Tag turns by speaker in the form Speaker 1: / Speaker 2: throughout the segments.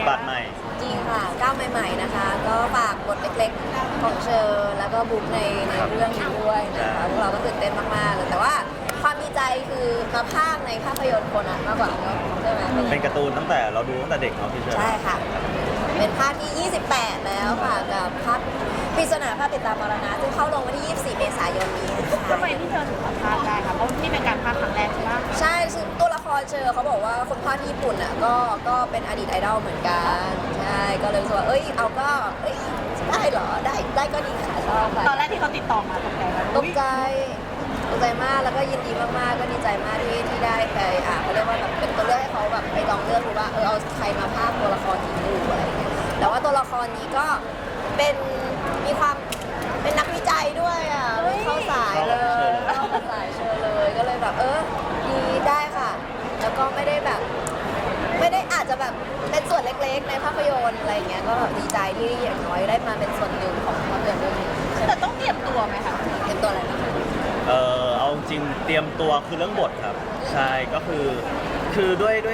Speaker 1: บาทใหม่
Speaker 2: จริงค่ะก้าวใหม่ๆนะคะก็ฝากบทเล็กๆของเชอร์แล้วก็บุ๊กในเรื่องนี้ด้วยนะคะพวกเราก็ตื่นเต้นมากๆเลยแต่ว่าความดีใจคือมาพากย์ในภาพยนตร์โคนันมากกว่าเนอะใช่ไหม
Speaker 1: เป็นการ์ตูนตั้งแต่เราดูตั้งแต่เด็กเนาะพี่เชอร์
Speaker 2: ใช่ค่ะเป็นภาคที่ 28 แล้วค่ะกับภาคปริศนาภาพติดตามมรณะซึ่งเข้าลงวันที่ 24 เมษายนนี้นะคะ
Speaker 3: ทำไมพี่เธอถึงมาพากย์ได้คะเพราะนี่เป็นการพากย์ครั้งแรกใช่ไหม
Speaker 2: ใช่ซึ่งตัวละครเชอเขาบอกว่าคนภาคที่ญี่ปุ่นอ่ะก็เป็นอดีตไอดอลเหมือนกันใช่ก็เลยรู้สึกว่าเอาก็ได้เหรอได้ก็ดีค่ะชอบค่ะ
Speaker 3: ตอนแรกที่เขาติดต่อมาตกใจไหม
Speaker 2: ตกใจมากแล้วก็ยินดีมากๆก็ดีใจมากที่ได้ไปเขาเรียกว่าแบบเป็นตัวเลือกให้เขาแบบไปลองเลือกดูว่าเอาใครมาพากย์ตัวละครนี้ดูอะไรอย่างเงี้ยแต่ว่าตัวละครนี้ก็มีความเป็นนักวิจัยด้วยเข้าสายเลยเข้าสายเชิญเลยก็เลยแบบดีได้ค่ะแล้วก็ไม่ได้อาจจะแบบเป็นส่วนเล็กๆในภาพยนตร์อะไรอย่างเงี้ยก็แบบดีใจที่อย่างน้อยได้มาเป็นส่วนหนึ่งของภาพยนตร์เรื่องนี้
Speaker 3: แต่ต้องเตรียมตัวไหมคะ
Speaker 2: เตรียมตัวอะไรบ้าง
Speaker 1: เอาจริงเตรียมตัวคือเรื่องบทครับใช่ก็คือ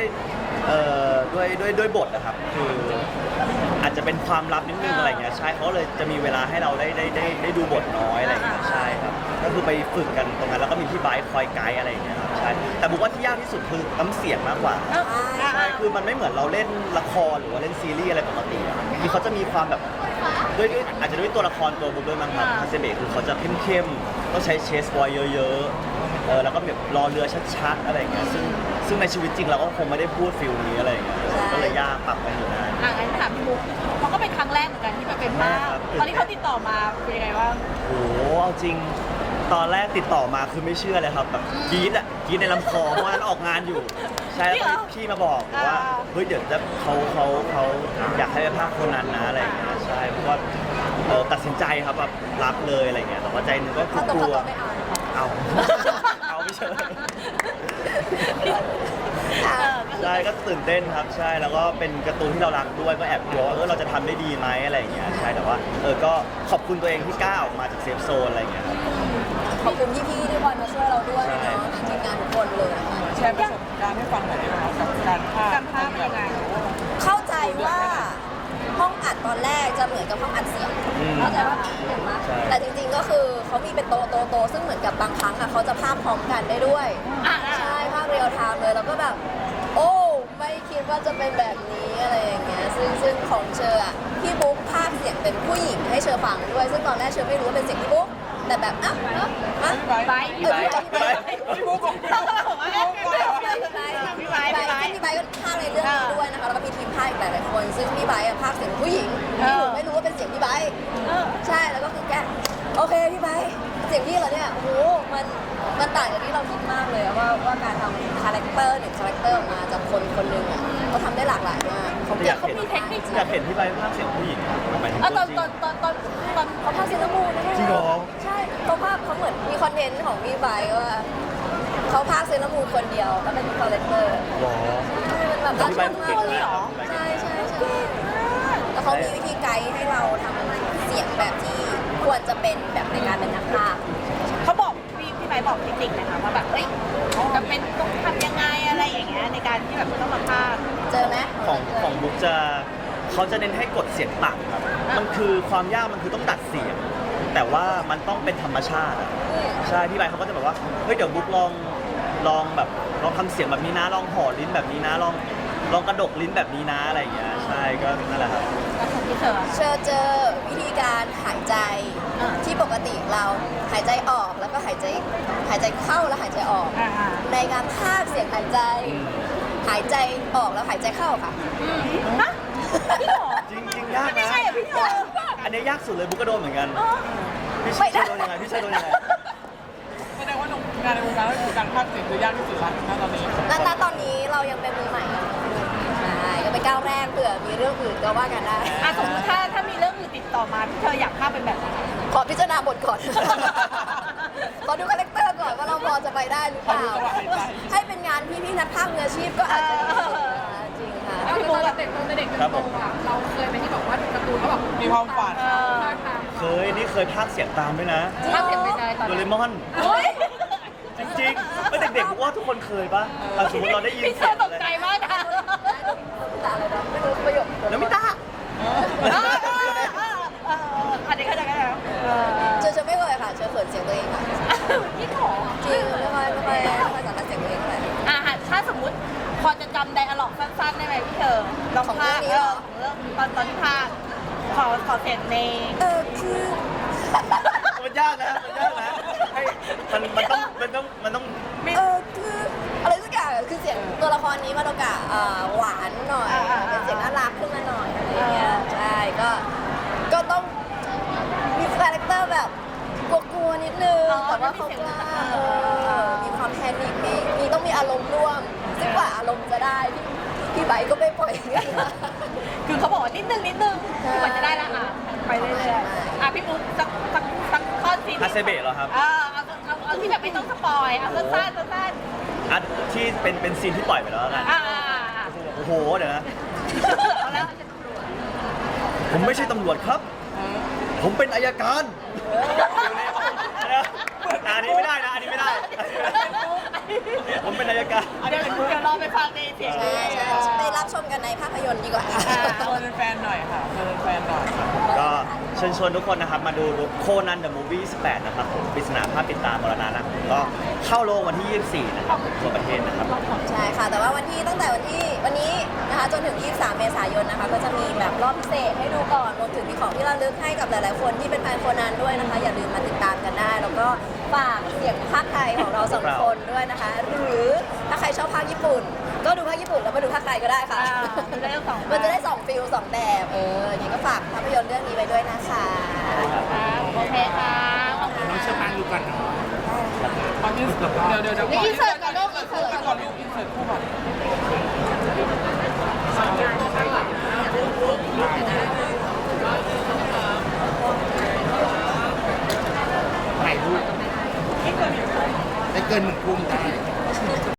Speaker 1: ด้วยบทนะครับคืออาจจะเป็นความลับนิดนึงอะไรเงี้ยใช่เขาเลยจะมีเวลาให้เราได้ดูบทน้อยอะไรเงี้ยใช่ครับก็คือไปฝึกกันตรงนั้นแล้วก็มีพี่ไบค์คอยไกด์อะไรเงี้ยใช่แต่บอกว่าที่ยากที่สุดคือน้ำเสียงมากกว่าใช่คือมันไม่เหมือนเราเล่นละครหรือว่าเล่นซีรีส์อะไรปกติคือเขาจะมีความแบบด้วยอาจจะด้วยตัวละครตัวบุ๊กด้วยมั้งครับคาเซเบะคือเขาจะเข้มๆต้องใช้เชสบอยเยอะๆแล้วก็แบบรอเรือชัดๆอะไรเงี้ยซึ่งในชีวิตจริงเราก็คงไม่ได้พูดฟิลนี้อะไรเงี้ยก็เลยยากปรับกันอยู่นะ
Speaker 3: งั้นถามพี่บุ๊กเขาก็เป็นครั้งแรกเหมือนกันที่มาเป็นภาคตอนที่เขาติดต่อมาเป็นยังไงบ้าง
Speaker 1: โอ้เอาจริงตอนแรกติดต่อมาคือไม่เชื่อเลยครับแบบกรี๊ดในลำคอเพราะว่านั้นออกงานอยู่ใช่แล้วพี่มาบอกว่าเฮ้ยเดี๋ยวจะเขาอยากให้ไปภาคคนนั้นนะอะไรอย่างเงี้ยใช่เพราะว่าตัดสินใจครับแบบรับเลยอะไรเงี้ยแต่ว่าใจนึงก็กลัวเอาไม่เชื่อใช่ก็ตื่นเต้นครับใช่แล้วก็เป็นการ์ตูนที่เรารักด้วยก็แอบกลัวเราจะทำได้ดีไหมอะไรอย่างเงี้ยใช่แต่ว่าก็ขอบคุณตัวเองที่กล้าออกมาจากเซฟโซนอะไรอย่างเงี้ย
Speaker 2: ขอบคุณพี่ๆที่คอยมาช่วยเราด้วยเนาะทีมงานทุกคนเลย
Speaker 4: แชร์ประสบการณ์ให้ฟังหน่อยได้ไหมครับกับการพากย์
Speaker 3: เป็นยังไง
Speaker 2: เข้าใจว่าห้องอัดตอนแรกจะเหมือนกับห้องอัดเสียงเข้าใจว่าเห็นไหมแต่จริงๆก็คือเขามีเป็นโตซึ่งเหมือนกับบางครั้งเขาจะภาพพร้อมกันได้ด้วยใช่ภาพเรียลไทม์เลยแล้วก็แบบโอ้ไม่คิดว่าจะเป็นแบบนี้อะไรอย่างเงี้ยซึ่งของเชอร์พี่บุ๊กภาคเสียงเป็นผู้หญิงให้เชอร์ฟังด้วยซึ่งตอนแรกเชอร์ไม่รู้ว่าเป็นเสียงพี่บุ๊กแต่แบบ
Speaker 4: พี่บุ๊กของพี่
Speaker 2: ไบก็ภาคในเรื่องนี้ด้วยนะคะแล้วก็มีทีมภาคอีกหลายๆคนซึ่งพี่ไบภาคเสียงผู้หญิงที่หนูไม่รู้ว่าเป็นเสียงพี่ไบใช่แล้วก็คือแกโอเคพี่ไบเสียงพี่เหรอเนี่ยโอ้โหมันต่างจากที่เราคิดมากเลยว่าการทำคาแรคเตอร์1คาแรคเตอร์ออกมาจากคนคนหนึ่งเขาทำได้หลากหลายมากเขามีเทคนิค
Speaker 1: อยากเห็นพี่ไบภาคเสียงผู้หญิงหมายถึง
Speaker 2: ตอนเขาภาคเซเลมูนนะ
Speaker 1: จริงเหรอ
Speaker 2: ใช่เขาเหมือนมีคอนเทนต์ของพี่ไบว่าเขาภาคเซเลมูนคนเดียวแล้วเป็นคาแรคเตอร์
Speaker 1: หรอ
Speaker 2: ใช่มันแบบรักมากเลยใช่แล้วเขามีวิธีไกด์ให้เราทำเสียงแบบที่ควรจะเป็นแบบในการเป็นนักพากย์
Speaker 3: เขาบอกพี่ไบบอกเทคนิคนะคะว่าแบบจะเป็นต้องทำยังไงอะไรอย่างเงี้ยในการที่แบบต้องมาพากย์
Speaker 2: เจอไหม
Speaker 1: ของบุ๊กเขาจะเน้นให้กดเสียงต่ำครับมันคือความยากมันคือต้องดัดเสียงแต่ว่ามันต้องเป็นธรรมชาติใช่พี่ไบเขาก็จะแบบว่าเฮ้ยเดี๋ยวบุ๊กลองแบบลองทำเสียงแบบนี้นะลองห่อลิ้นแบบนี้นะลองกระดกลิ้นแบบนี้นะอะไรอย่างเงี้ยใช่ก็นั่นแหละครับ
Speaker 2: เจอวิธีการหายใจที่ปกติเราหายใจออกแล้วก็หายใจเข้าแล้วหายใจออกในการพากย์เสียงหายใจออกแล้วหายใจเข้าค่ะ
Speaker 1: จริงยากนะอันนี้ยากสุดเลยบุ๊กก็โดนเหมือนกันพี่เชยโดนยังไง
Speaker 4: แสดงว่างานในวงการก็คือการพากย์เสียงคือยากที่สุดแล้วณตอนนี้
Speaker 2: ตอนนี้เรายังเป็นมือใหม่ใช่ก็เป็นก้าวแรกเผื่อมีเรื่องอื่นก็ว่ากันได้
Speaker 3: สมมติถ้ามีเรื่องอื่นติดต่อมาพี่เธออยากพากย์เป็นแบบไหน
Speaker 2: ขอพิจารณาบทก่อนขอดูคาแรคเตอร์ก่อนว่าเราพอจะไปได้หรือเปล่าให้เป็นงานพี่นักพากย์มืออาชีพก็อาจจะจริงค่ะ
Speaker 5: พี่บุ๊กเด็กเด็กจนโตเราเคยไปที่บอกว่าการ์ตูนแล้วแบบ
Speaker 4: มีความฝัน
Speaker 1: นี่เคยพากย์เสียงตามด้วยนะ
Speaker 5: พากย์เสียงเป็นไงตอน
Speaker 1: โดเรมอนจริงๆเด็กๆว่าทุกคนเคยป่ะสมมติเราได้ยิน
Speaker 3: เสียงตกใจมากนะ
Speaker 2: อะไรนะไม่รู้ประโยคตัวเองค่ะ
Speaker 3: พี่ขอ
Speaker 2: จริงไม่ค่อยสารเสียงตัวเองเท่าไหร่
Speaker 3: ถ้าสมมุติพอจะจำไดอะล็อกสั้นๆได้ไหมพี่เธอลอง
Speaker 2: ของ
Speaker 3: พาก
Speaker 2: เรื่องนี้เหรอ
Speaker 3: ของเรื่องตอนที่พากขอเสียงใน
Speaker 2: คือ
Speaker 1: มันยากนะให้มันต้อง
Speaker 2: คืออะไรสักอย่างคือเสียงตัวละครนี้มาโดกะหวานหน่อยเป็นเสียงน่ารักขึ้นมาหน่อยอะไรอย่างเงี้ยใช่ก็ต้องมีคาแรคเตอร์แบบกลัวๆนิดนึงแต่ว่าเขากล้ามีความแพนิคมีต้องมีอารมณ์ร่วมซึ่งกว่าอารมณ์จะได้พี่ไบค์ก็ไม่ปล่อยง่าย
Speaker 3: คือเขาบอกว่านิดนึงเหมือนจะได้แล้วไปเรื่อยๆพี่ปุ๊กสักข้อซีน
Speaker 1: ฮาเซเบะเหรอครับ
Speaker 3: เอาที่แบบไม่ต้องสปอยเอาสั้น
Speaker 1: อันที่เป็นซีนที่ปล่อยไปแล้วกัน โอ้โหเดี๋ยวนะ
Speaker 3: เอาแล้ว
Speaker 1: ผมไม่ใช่ตำรวจครับ ผมเป็นอัยการอันนี้ไม่ได้นะ ผมเป็นอัยการ
Speaker 3: เดี๋ยวรอไปฟังในเสียง
Speaker 2: ใช่ไปรับชมกันในภาพยนตร์ดีกว่า
Speaker 4: เชิญแฟนหน่อยค่ะเชิญแฟนหน่อยค่ะ
Speaker 1: ก็เชิญชวนทุกคนนะครับมาดูโคนันเดอะมูฟวี่18นะครับผมปริศนาภาพปิดตามรณะนะผมก็เข้าโรงวันที่ 24 นะครับทั่วประเทศนะครับ
Speaker 2: ใช่ค่ะ แต่ว่าตั้งแต่วันนี้นะคะจนถึง 23 เมษายนนะคะ ก็จะมีแบบรอบพิเศษให้ดูก่อนรวมถึงมีของที่ระลึกให้กับหลายๆคนที่เป็นแฟนโคนันด้วยนะคะ อย่าลืมมาติดตามกันได้ แล้วก็ฝากเสียงภาคไทยของเราสองคนด้วยนะคะ หรือถ้าใครชอบภาคญี่ปุ่น ก็ดูภาคญี่ปุ่นแล้วมาดูภาคไทยก็ได้ค่ะ
Speaker 3: ดูได้ทั้งสอง
Speaker 2: มันจะได้2ฟิล2แบบอย่างนี้ก็ฝากภาพยนตร์เรื่องนี้ไว้ด้วยนะคะ
Speaker 3: โอเคค่ะขอบคุณ
Speaker 6: น้องเชื่อมั่นดูก่อนเนาะ
Speaker 4: เอาอินเสิร์ตเดี๋ยวก่อน
Speaker 3: อินเสิร์ตก่อนลูกอินเสิร์ต
Speaker 4: ก่อนลูกอินเสิร์ตคู่ก่อน
Speaker 6: ถ่ายรูปได้เกิน1 ทุ่มได้